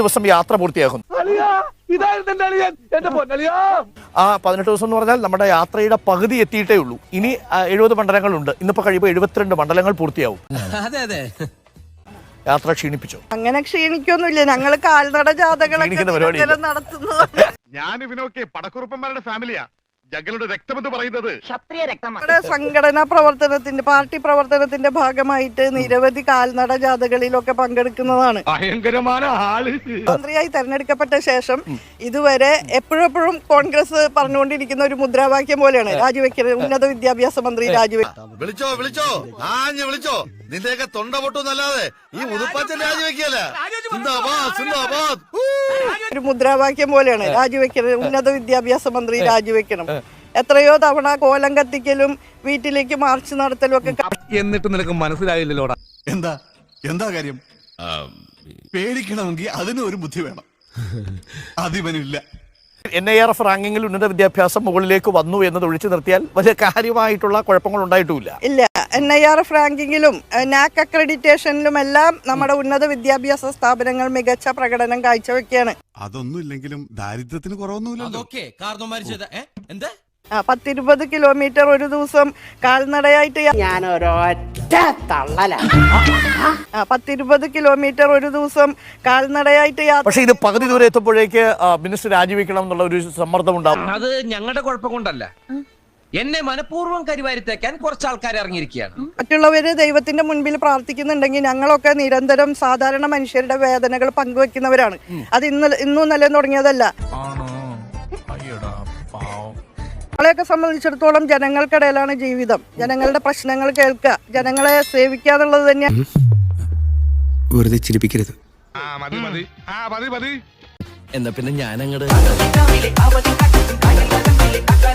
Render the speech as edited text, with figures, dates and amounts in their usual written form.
ദിവസം യാത്ര പൂർത്തിയാകുന്നു. ആ 18 ദിവസം എന്ന് പറഞ്ഞാൽ നമ്മുടെ യാത്രയുടെ പകുതി എത്തിയിട്ടേ ഉള്ളൂ. ഇനി 70 മണ്ഡലങ്ങളുണ്ട്. ഇന്നിപ്പോ കഴിയുമ്പോൾ 72 മണ്ഡലങ്ങൾ പൂർത്തിയാവും. യാത്ര ക്ഷീണിപ്പിച്ചോ? അങ്ങനെ ക്ഷീണിക്കൊന്നുമില്ല. ഞങ്ങൾ കാൽനട ജാഥകളൊക്കെ നടത്തുന്നതാണ്. ഞാൻ ഇവനൊക്കെ പടക്കുറുപ്പന്മാരുടെ ഫാമിലിയാ. ജഗലുടെ രക്തമെന്ന് പറയുന്നത് ക്ഷത്രിയ രക്തമാണ്. നമ്മുടെ സംഘടനാ പ്രവർത്തനത്തിന്റെ പാർട്ടി പ്രവർത്തനത്തിന്റെ ഭാഗമായിട്ട് നിരവധി കാൽനട ജാഥകളിലൊക്കെ പങ്കെടുക്കുന്നതാണ്. ഭയങ്കരമായ ആള്. മന്ത്രിയായി തെരഞ്ഞെടുക്കപ്പെട്ട ശേഷം ഇതുവരെ എപ്പോഴെപ്പോഴും കോൺഗ്രസ് പറഞ്ഞുകൊണ്ടിരിക്കുന്ന ഒരു മുദ്രാവാക്യം പോലെയാണ് രാജിവെക്കരുത്, ഉന്നത വിദ്യാഭ്യാസ മന്ത്രി രാജിവെക്കും. വിളിച്ചോ ആഞ്ഞ് വിളിച്ചോ, നിന്റെയൊക്കെ തൊണ്ട പൊട്ടുന്നല്ലാതെ ഈ ഉതുപ്പാച്ചൻ രാജിവെക്കല. ഒരു മുദ്രാവാക്യം പോലെയാണ് രാജിവെക്കരുത്, ഉന്നത വിദ്യാഭ്യാസ മന്ത്രി രാജിവെക്കണം. എത്രയോ തവണ കോലം കത്തിക്കലും വീട്ടിലേക്ക് മാർച്ച് നടത്തലും ഒക്കെ. എന്നിട്ട് നിനക്ക് മനസ്സിലായില്ലല്ലോടാ. എന്താ കാര്യം? പേടിക്കണമെങ്കിൽ അതിനും ഒരു ബുദ്ധി വേണം. അതിവനില്ല. NIRF റാങ്കിങ്ങിൽ ഉന്നത വിദ്യാഭ്യാസം മുകളിലേക്ക് വന്നു എന്നത് ഒഴിച്ചു നിർത്തിയാൽ വലിയ കാര്യമായിട്ടുള്ള കുഴപ്പങ്ങൾ ഉണ്ടായിട്ടുമില്ല. ഇല്ല, NIRF റാങ്കിങ്ങിലും NAC അക്രഡിറ്റേഷനിലും എല്ലാം നമ്മുടെ ഉന്നത വിദ്യാഭ്യാസ സ്ഥാപനങ്ങൾ മികച്ച പ്രകടനം കാഴ്ചവെക്കുകയാണ്. അതൊന്നും ഇല്ലെങ്കിലും ദാരിദ്ര്യത്തിന് കുറവൊന്നുമില്ലല്ലോ. 10-20 കിലോമീറ്റർ ഒരു ദിവസം കാൽനടയായിട്ട് 10-20 കിലോമീറ്റർ ഒരു ദിവസം കാൽനടയായിട്ട് പക്ഷേ ഇത് പകുതി ദൂരം എത്തുമ്പോഴേക്ക് മിനിസ്റ്റർ രാജിവെക്കണം എന്നുള്ള ഒരു സമ്മർദ്ദം ഉണ്ടാവും. അത് ഞങ്ങളുടെ കുഴപ്പം കൊണ്ടല്ല, എന്നെ മനഃപൂർവ്വം കരിവാരിത്തേക്കാൻ കുറച്ച് ആൾക്കാർ ഇറങ്ങിയിരിക്കുകയാണ്. മറ്റുള്ളവര് ദൈവത്തിന്റെ മുൻപിൽ പ്രാർത്ഥിക്കുന്നുണ്ടെങ്കിൽ ഞങ്ങളൊക്കെ നിരന്തരം സാധാരണ മനുഷ്യരുടെ വേദനകൾ പങ്കുവെക്കുന്നവരാണ്. അത് ഇന്നും നല്ല തുടങ്ങിയതല്ല. നമ്മളെയൊക്കെ സംബന്ധിച്ചിടത്തോളം ജനങ്ങൾക്കിടയിലാണ് ജീവിതം. ജനങ്ങളുടെ പ്രശ്നങ്ങൾ കേൾക്കുക, ജനങ്ങളെ സേവിക്കുക എന്നുള്ളത് തന്നെയാണ്. വെറുതെ ചിരിപ്പിക്കരുത്. മതി എന്നാ പിന്നെ ഞാനങ്ങട്